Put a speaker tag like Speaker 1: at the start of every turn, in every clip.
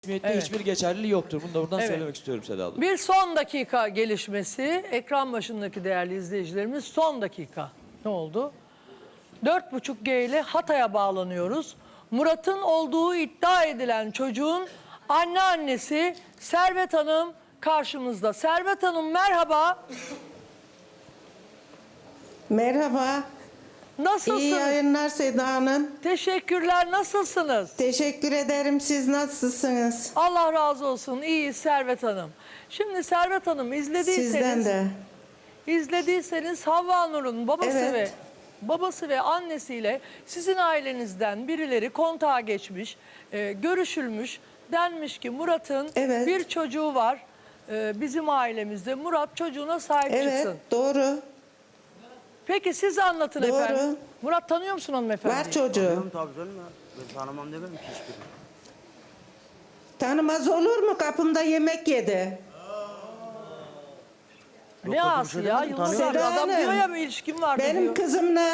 Speaker 1: resmiyette hiçbir geçerliliği yoktur. Bunu da buradan söylemek istiyorum Seda abla.
Speaker 2: Bir son dakika gelişmesi. Ekran başındaki değerli izleyicilerimiz, son dakika. Ne oldu? 4,5G ile Hatay'a bağlanıyoruz. Murat'ın olduğu iddia edilen çocuğun anneannesi Servet Hanım karşımızda. Servet Hanım merhaba.
Speaker 3: Merhaba.
Speaker 2: Nasılsınız?
Speaker 3: İyi yayınlar Seda Hanım.
Speaker 2: Teşekkürler. Nasılsınız?
Speaker 3: Teşekkür ederim. Siz nasılsınız?
Speaker 2: Allah razı olsun. İyiyiz Servet Hanım. Şimdi Servet Hanım
Speaker 3: Sizden de.
Speaker 2: izlediyseniz Havva Nur'un
Speaker 3: Evet.
Speaker 2: babası ve annesiyle sizin ailenizden birileri kontağa geçmiş, görüşülmüş. Denmiş ki Murat'ın
Speaker 3: Evet.
Speaker 2: bir çocuğu var bizim ailemizde. Murat çocuğuna sahip
Speaker 3: Evet,
Speaker 2: çıksın.
Speaker 3: doğru.
Speaker 2: Peki siz anlatın
Speaker 3: Doğru.
Speaker 2: efendim. Murat tanıyor musun hanımefendi?
Speaker 3: Var çocuğu.
Speaker 4: Tanıyorum tabii canım ya. Ben tanımam demem ki hiçbirini.
Speaker 3: Tanımaz olur mu? Kapımda yemek yedi.
Speaker 2: Ne
Speaker 4: Yok,
Speaker 2: ağası
Speaker 4: öyle bir
Speaker 2: ya?
Speaker 4: şey
Speaker 2: Yılmaz
Speaker 4: demedim,
Speaker 2: abi
Speaker 3: tanıyorum.
Speaker 2: adam
Speaker 3: Seda
Speaker 2: diyor ya
Speaker 3: Hanım,
Speaker 2: bir ilişkim var
Speaker 3: Benim
Speaker 2: diyor.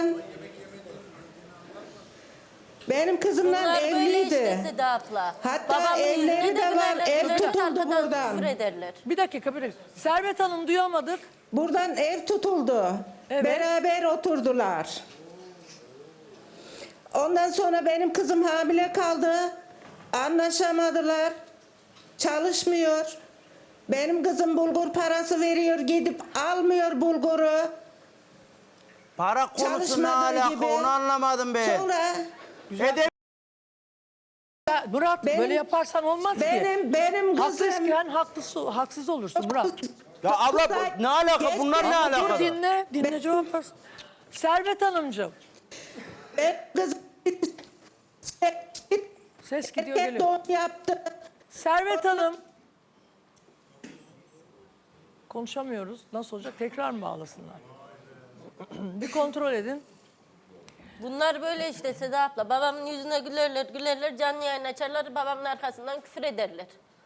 Speaker 3: kızımla
Speaker 5: Bunlar böyle
Speaker 3: evliydi.
Speaker 5: işte Seda abla.
Speaker 3: Hatta
Speaker 5: Babamın
Speaker 3: evleri
Speaker 5: yüzüne
Speaker 3: de var,
Speaker 5: gülerler,
Speaker 3: ev
Speaker 5: gülerler,
Speaker 3: tutuldu
Speaker 5: arkadan
Speaker 3: buradan.
Speaker 5: küfür ederler.
Speaker 2: Bir dakika. Servet Hanım duyamadık.
Speaker 3: Buradan ev tutuldu.
Speaker 2: Evet.
Speaker 3: Beraber oturdular. Ondan sonra benim kızım hamile kaldı. Anlaşamadılar. Çalışmıyor. Benim kızım bulgur parası veriyor, gidip almıyor bulguru.
Speaker 4: Para konusu ne
Speaker 3: Çalışmadığı
Speaker 4: alaka
Speaker 3: gibi.
Speaker 4: onu anlamadım ben.
Speaker 3: Sonra
Speaker 4: Edep
Speaker 2: Ya Murat
Speaker 3: Benim-
Speaker 2: böyle yaparsan olmaz ki.
Speaker 3: benim kızım
Speaker 2: Haklısken haksız olursun Murat.
Speaker 4: ya abla ne alaka bunlar ne
Speaker 2: Dur
Speaker 4: alaka?
Speaker 2: dinle cevap versin. Servet Hanımcığım
Speaker 3: benim kızım
Speaker 2: ses gidiyor
Speaker 3: erkek
Speaker 2: geliyor.
Speaker 3: doğum yaptı.
Speaker 2: Servet Hanım. Konuşamıyoruz. Nasıl olacak? Tekrar mı bağlasınlar? Bir kontrol edin.
Speaker 5: Bunlar böyle işte Seda abla. Babamın yüzüne gülerler, canlı yayın açarlar, babamın arkasından küfür ederler.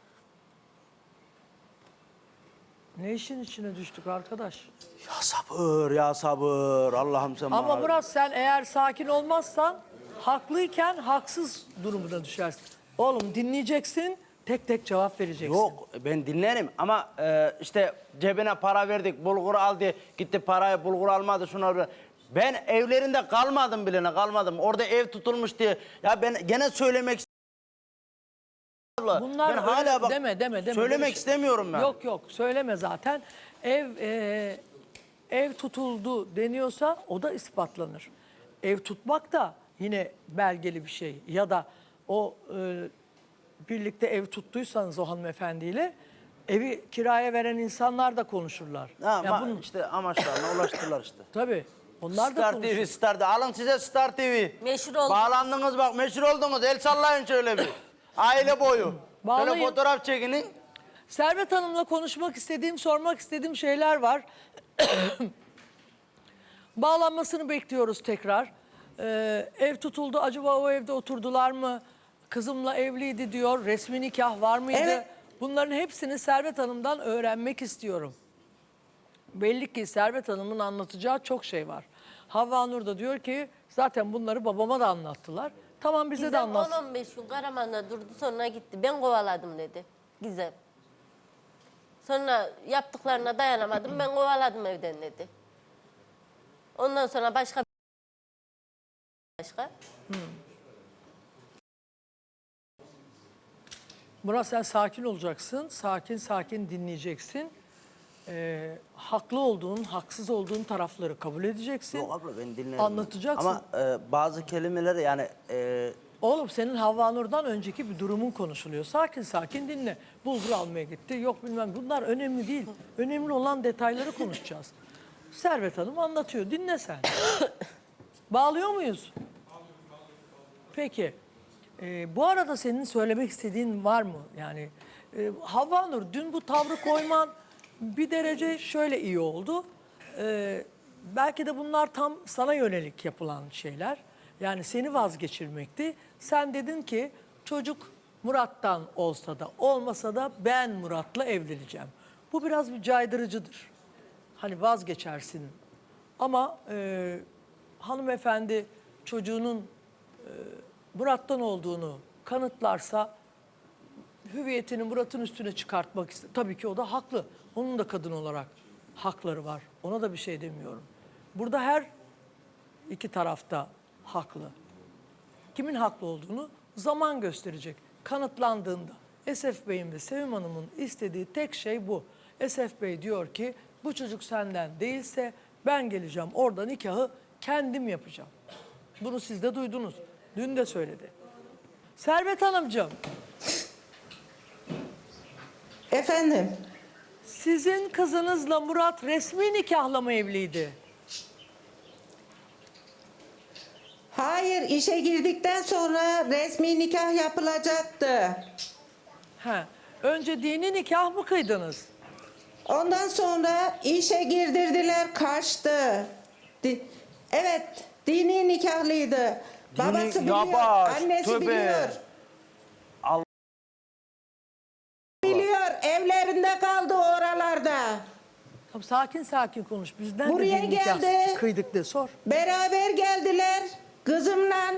Speaker 2: Ne işin içine düştük arkadaş?
Speaker 4: Ya sabır Allah'ım sen
Speaker 2: Ama
Speaker 4: bana.
Speaker 2: Murat sen eğer sakin olmazsan haklıyken haksız durumuna düşersin. Oğlum dinleyeceksin, tek tek cevap vereceksin.
Speaker 4: Yok ben dinlerim ama işte cebine para verdik bulgur aldı gitti parayı bulgur almadı şuna. Ben evlerinde kalmadım bile kalmadım. Orada ev tutulmuş diye. Ya ben gene söylemek istiyorum.
Speaker 2: Bunlar
Speaker 4: Ben hala bak
Speaker 2: deme.
Speaker 4: söylemek
Speaker 2: Böyle şey-
Speaker 4: istemiyorum ben.
Speaker 2: Yok söyleme zaten. Ev tutuldu deniyorsa o da ispatlanır. Ev tutmak da yine belgeli bir şey. Ya da o birlikte ev tuttuysanız o hanımefendiyle evi kiraya veren insanlar da konuşurlar.
Speaker 4: Ha,
Speaker 2: Ya bunun,
Speaker 4: işte amaçlarına ulaştılar işte.
Speaker 2: tabii onlar da
Speaker 4: Star
Speaker 2: konuşur.
Speaker 4: TV, Star TV. Alın size Star TV.
Speaker 5: Meşhur oldunuz.
Speaker 4: Bağlandınız bak, meşhur oldunuz. El sallayın şöyle bir. Aile boyu.
Speaker 2: Bağlayın.
Speaker 4: Şöyle fotoğraf çekinin.
Speaker 2: Servet Hanım'la konuşmak istediğim, sormak istediğim şeyler var. Bağlanmasını bekliyoruz tekrar. Ev tutuldu, acaba o evde oturdular mı? Kızımla evliydi diyor, resmi nikah var mıydı?
Speaker 3: Evet.
Speaker 2: Bunların hepsini Servet Hanım'dan öğrenmek istiyorum. Belli ki Servet Hanım'ın anlatacağı çok şey var. Havva Nur da diyor ki zaten bunları babama da anlattılar. Tamam bize de
Speaker 5: Gizem
Speaker 2: anlat.
Speaker 5: 10-15 gün Karaman'da durdu, sonra gitti. Ben kovaladım dedi Gizem. Sonra yaptıklarına dayanamadım, ben kovaladım evden dedi. Ondan sonra başka.
Speaker 2: Murat sen sakin olacaksın, sakin dinleyeceksin. Haklı olduğun, haksız olduğun tarafları kabul edeceksin.
Speaker 4: Yok abla ben dinlerim.
Speaker 2: Anlatacaksın.
Speaker 4: Ama bazı kelimeleri yani...
Speaker 2: Oğlum senin Havva Nur'dan önceki bir durumun konuşuluyor. Sakin dinle. Bulgur almaya gitti, yok bilmem. Bunlar önemli değil. Önemli olan detayları konuşacağız. Servet Hanım anlatıyor, dinle sen. Bağlıyor muyuz? Peki. Bu arada senin söylemek istediğin var mı? Yani Havva Nur dün bu tavrı koyman bir derece şöyle iyi oldu. Belki de bunlar tam sana yönelik yapılan şeyler. Yani seni vazgeçirmekti. Sen dedin ki çocuk Murat'tan olsa da olmasa da ben Murat'la evleneceğim. Bu biraz bir caydırıcıdır. Hani vazgeçersin. Ama hanımefendi çocuğunun Murat'tan olduğunu kanıtlarsa hüviyetini Murat'ın üstüne çıkartmak istedi. Tabii ki o da haklı. Onun da kadın olarak hakları var. Ona da bir şey demiyorum. Burada her iki tarafta haklı. Kimin haklı olduğunu zaman gösterecek. Kanıtlandığında Esef Bey'in ve Sevim Hanım'ın istediği tek şey bu. Esef Bey diyor ki bu çocuk senden değilse ben geleceğim orada nikahı kendim yapacağım. Bunu siz de duydunuz. Dün de söyledi. Servet Hanımcığım,
Speaker 3: Efendim,
Speaker 2: sizin kızınızla Murat resmi nikahla mı evliydi?
Speaker 3: hayır, işe girdikten sonra resmi nikah yapılacaktı.
Speaker 2: He. Önce dini nikah mı kıydınız?
Speaker 3: Ondan sonra işe girdirdiler, kaçtı. Evet, dini nikahlıydı. Babası biliyor,
Speaker 4: yavaş,
Speaker 3: annesi
Speaker 4: tövbe.
Speaker 3: biliyor.
Speaker 4: Allah.
Speaker 3: Biliyor, evlerinde kaldı oralarda.
Speaker 2: Tamam, sakin sakin konuş. Bizden
Speaker 3: Buraya
Speaker 2: de dini nikah
Speaker 3: geldi.
Speaker 2: kıydık de sor.
Speaker 3: Beraber geldiler kızımla.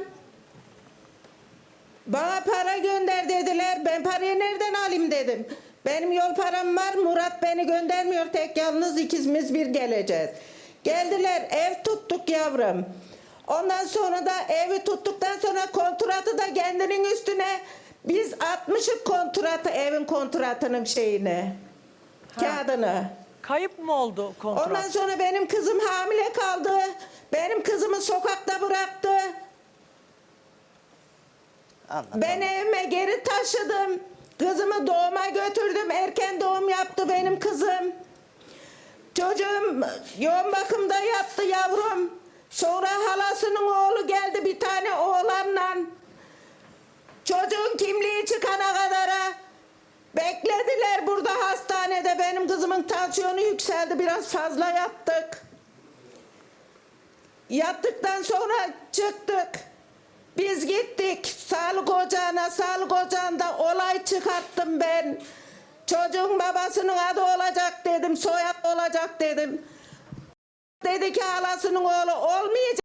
Speaker 3: Bana para gönder dediler. Ben parayı nereden alayım dedim. Benim yol param var. Murat beni göndermiyor. Tek yalnız ikimiz bir geleceğiz. Geldiler. Ev tuttuk yavrum. Ondan sonra da evi tuttuktan sonra kontratı da kendinin üstüne biz atmışık kontratı, evin kontratının şeyini. Kağıdını.
Speaker 2: Kayıp mı oldu kontrat?
Speaker 3: Ondan sonra benim kızım hamile kaldı. Benim kızımı sokakta bıraktı.
Speaker 4: Anlat.
Speaker 3: Ben evime geri taşıdım. Kızımı doğuma götürdüm. Erken doğum yaptı benim kızım. Çocuğum yoğun bakımda yattı yavrum. Sonra halasının oğlu geldi bir tane oğlanla. Çocuğun kimliği çıkana kadar beklediler burada hastanede. Benim kızımın tansiyonu yükseldi. Biraz fazla yattık. Yattıktan sonra çıktık. Biz gittik sağlık ocağına. Sağlık ocağında olay çıkarttım ben. Çocuğun babasının adı olacak dedim. Soyad olacak dedim. Dedi ki halasının oğlu olmayacak.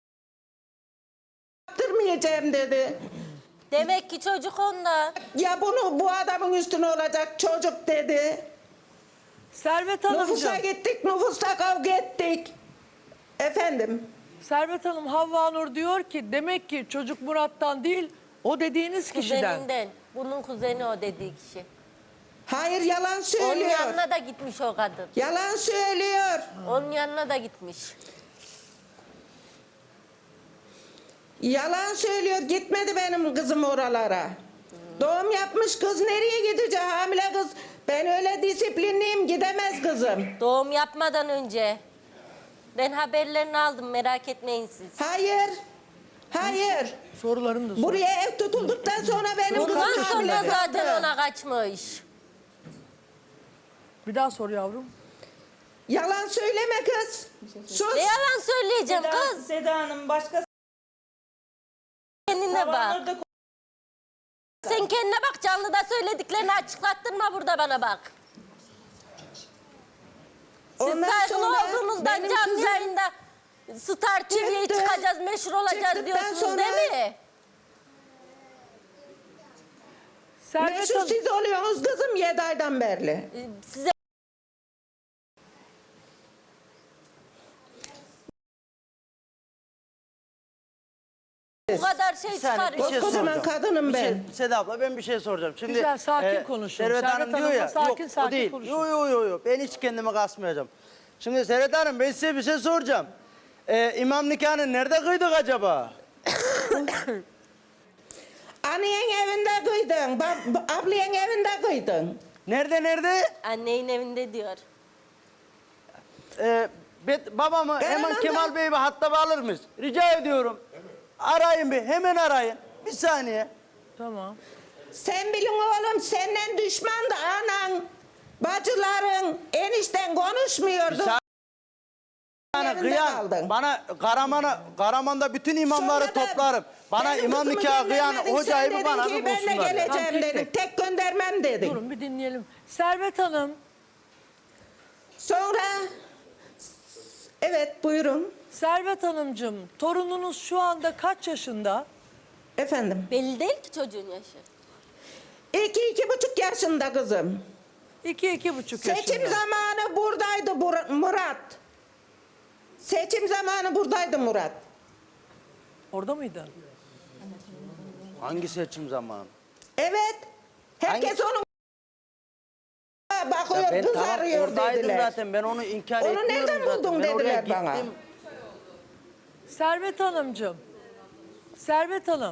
Speaker 3: Yaptırmayacağım dedi.
Speaker 5: Demek ki çocuk onda.
Speaker 3: Ya bu adamın üstüne olacak çocuk dedi.
Speaker 2: Servet
Speaker 3: Nüfusa
Speaker 2: Hanımcığım.
Speaker 3: gittik, nüfusta kavga ettik. Efendim,
Speaker 2: Servet Hanım Havva Nur diyor ki demek ki çocuk Murat'tan değil o dediğiniz kişiden.
Speaker 5: Kuzeninden. Bunun kuzeni o dediği kişi.
Speaker 3: hayır yalan
Speaker 5: Onun
Speaker 3: söylüyor.
Speaker 5: yanına da gitmiş o kadın.
Speaker 3: Yalan söylüyor.
Speaker 5: Onun yanına da gitmiş.
Speaker 3: Yalan söylüyor. Gitmedi benim kızım oralara. Doğum yapmış kız nereye gidecek? Hamile kız. Ben öyle disiplinliyim, gidemez kızım.
Speaker 5: Doğum yapmadan önce. Ben haberlerini aldım, merak etmeyin siz.
Speaker 3: Hayır. Hayır.
Speaker 2: Sorularını da sor.
Speaker 3: Buraya ev tutulduktan sonra benim kızım
Speaker 5: Bundan
Speaker 3: hamile
Speaker 5: sonra
Speaker 3: kaldı.
Speaker 5: zaten ona kaçmış.
Speaker 2: Bir daha sor yavrum.
Speaker 3: Yalan söyleme kız. Sus.
Speaker 5: Ne yalan söyleyeceğim kız.
Speaker 6: Seda Hanım başka
Speaker 5: Kendine bak.
Speaker 6: zamanlarda
Speaker 5: Sen kendine bak, canlıda söylediklerini açıklattırma burada bana bak. Siz
Speaker 3: Ondan
Speaker 5: saygılı
Speaker 3: sonra
Speaker 5: olduğunuzdan
Speaker 3: benim
Speaker 5: canlı
Speaker 3: kızım
Speaker 5: yayında Star TV'ye
Speaker 3: çıktı.
Speaker 5: çıkacağız, meşhur olacağız
Speaker 3: Çıktıktan
Speaker 5: diyorsunuz
Speaker 3: sonra-
Speaker 5: değil mi?
Speaker 2: Servet
Speaker 3: Meşhur
Speaker 2: Hanım.
Speaker 3: siz oluyorsunuz kızım 7 aydan beri.
Speaker 5: Size bu kadar şey
Speaker 4: Bir saniye, bir
Speaker 5: çıkarıyor.
Speaker 4: şey
Speaker 3: Kocaman
Speaker 4: soracağım.
Speaker 3: kadınım
Speaker 4: Bir şey-
Speaker 3: ben.
Speaker 4: Seda abla ben bir şey soracağım. Şimdi,
Speaker 2: Güzel, sakin konuşun.
Speaker 4: Servet
Speaker 2: Servet
Speaker 4: Hanım diyor
Speaker 2: Hanım'la
Speaker 4: ya.
Speaker 2: sakin
Speaker 4: yok,
Speaker 2: sakin
Speaker 4: o değil.
Speaker 2: konuşun.
Speaker 4: Yo. Ben hiç kendimi kasmayacağım. Şimdi Servet Hanım ben size bir şey soracağım. İmam nikahını nerede kıydık acaba?
Speaker 3: Annen evinde kıydın, ablayan evinde kıydın.
Speaker 4: Nerede?
Speaker 5: Annenin evinde diyor.
Speaker 4: Babamı
Speaker 3: Ben
Speaker 4: hemen
Speaker 3: hemen
Speaker 4: Kemal Bey'i bir hatta alır mıyız? Rica ediyorum. Arayın bir, hemen arayın. Bir saniye.
Speaker 2: Tamam.
Speaker 3: Sen bilin oğlum senden düşmandı anan, bacıların, enişten konuşmuyordu.
Speaker 4: Yani
Speaker 3: Yerinde
Speaker 4: kıyan,
Speaker 3: kaldın.
Speaker 4: bana Karaman'da bütün imamları
Speaker 3: Sonra da
Speaker 4: toplarım. Bana
Speaker 3: benim
Speaker 4: imam
Speaker 3: kızımı
Speaker 4: nikahı kıyan
Speaker 3: göndermedin,
Speaker 4: hocayı
Speaker 3: sen
Speaker 4: bir
Speaker 3: dedin
Speaker 4: bana
Speaker 3: ki,
Speaker 4: bir
Speaker 3: ben de
Speaker 4: bulsunlar.
Speaker 3: geleceğim
Speaker 2: Tamam, tek
Speaker 3: dedin. Tek göndermem dedin.
Speaker 2: Durun bir dinleyelim. Servet Hanım.
Speaker 3: Sonra evet buyurun
Speaker 2: Servet Hanımcığım torununuz şu anda kaç yaşında?
Speaker 3: efendim.
Speaker 5: Belli değil ki çocuğun yaşı.
Speaker 3: 2,5 yaşında kızım.
Speaker 2: 2-2,5 yaşında.
Speaker 3: Seçim zamanı buradaydı Murat. Seçim zamanı buradaydı Murat.
Speaker 2: Orada mıydın?
Speaker 4: Hangi seçim zamanı?
Speaker 3: Evet. Herkes onun bakıyor,
Speaker 4: Ya ben
Speaker 3: kız
Speaker 4: tamam
Speaker 3: arıyor
Speaker 4: oradaydım
Speaker 3: dediler.
Speaker 4: zaten. Ben onu inkar
Speaker 3: Onu
Speaker 4: etmiyorum
Speaker 3: nereden
Speaker 4: zaten.
Speaker 3: buldun
Speaker 4: Ben oraya
Speaker 3: dediler bana.
Speaker 4: gittim.
Speaker 2: Servet Hanımcığım. Servet Hanım.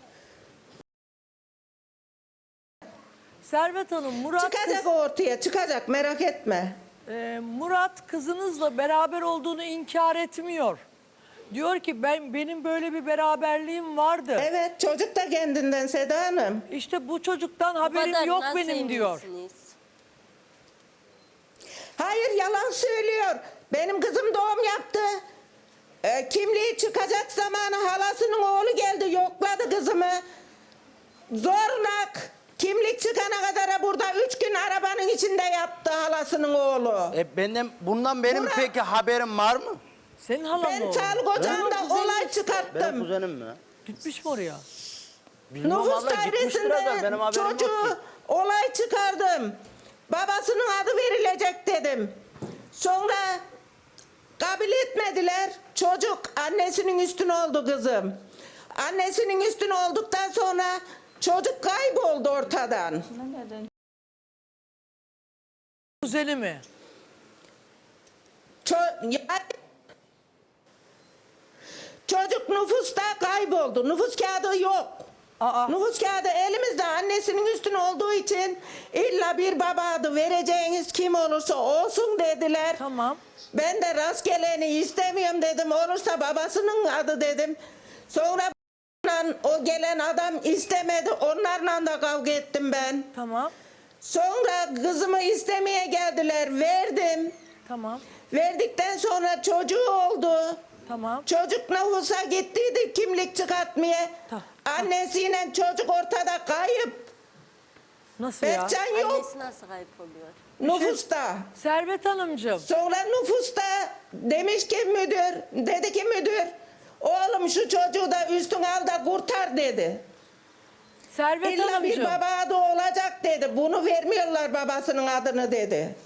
Speaker 2: Servet Hanım,
Speaker 3: Çıkacak ortaya, çıkacak, merak etme.
Speaker 2: Murat kızınızla beraber olduğunu inkar etmiyor. Diyor ki benim böyle bir beraberliğim vardı.
Speaker 3: Evet, çocuk da kendinden Seda Hanım.
Speaker 2: İşte bu çocuktan
Speaker 5: Bu
Speaker 2: haberim
Speaker 5: kadar
Speaker 2: yok
Speaker 5: nasıl
Speaker 2: benim diyor.
Speaker 5: eminsiniz?
Speaker 3: Hayır, yalan söylüyor. Benim kızım doğum yaptı. Kimliği çıkacak zamanı halasının oğlu geldi, yokladı kızımı. Zorlak. Kimlik çıkana kadar burada 3 gün arabanın içinde yattı halasının oğlu.
Speaker 4: Bundan benim
Speaker 3: Murat-
Speaker 4: peki haberim var mı?
Speaker 2: Senin halan mı
Speaker 3: Ben
Speaker 2: o?
Speaker 3: sağlık ocağında olay
Speaker 4: Benim
Speaker 3: çıkarttım.
Speaker 4: kuzenim mi?
Speaker 2: Gitmiş mi oraya?
Speaker 4: Bilmem
Speaker 3: Nüfus
Speaker 4: abla, gitmiştir adam.
Speaker 3: dairesinde
Speaker 4: Benim haberim yok ki.
Speaker 3: çocuğu olay çıkardım. Babasının adı verilecek dedim. Sonra kabul etmediler. Çocuk annesinin üstüne oldu kızım. Annesinin üstüne olduktan sonra çocuk kayboldu ortadan.
Speaker 2: Kuzeni mi?
Speaker 3: Çocuk nüfusta kayboldu. Nüfus kağıdı yok.
Speaker 2: Aa.
Speaker 3: Nüfus kağıdı elimizde annesinin üstüne olduğu için illa bir baba adı vereceğiniz kim olursa olsun dediler.
Speaker 2: Tamam.
Speaker 3: Ben de rastgeleni istemiyorum dedim. Olursa babasının adı dedim. Sonra o gelen adam istemedi. Onlarla da kavga ettim ben.
Speaker 2: Tamam.
Speaker 3: Sonra kızımı istemeye geldiler. Verdim.
Speaker 2: Tamam.
Speaker 3: Verdikten sonra çocuğu oldu.
Speaker 2: Tamam.
Speaker 3: Çocuk nüfusa gittiydi kimlik çıkartmaya. Annesiyle çocuk ortada kayıp.
Speaker 2: Nasıl ya?
Speaker 3: Berkcan yok
Speaker 5: Annesi nasıl kayıp oluyor?
Speaker 3: nüfusta.
Speaker 2: Servet Hanımcığım.
Speaker 3: Sonra nüfusta demiş ki dedi ki müdür, oğlum şu çocuğu da üstüne al da kurtar dedi.
Speaker 2: Servet
Speaker 3: İlla bir
Speaker 2: Hanımcığım.
Speaker 3: baba adı olacak dedi. Bunu vermiyorlar babasının adını dedi.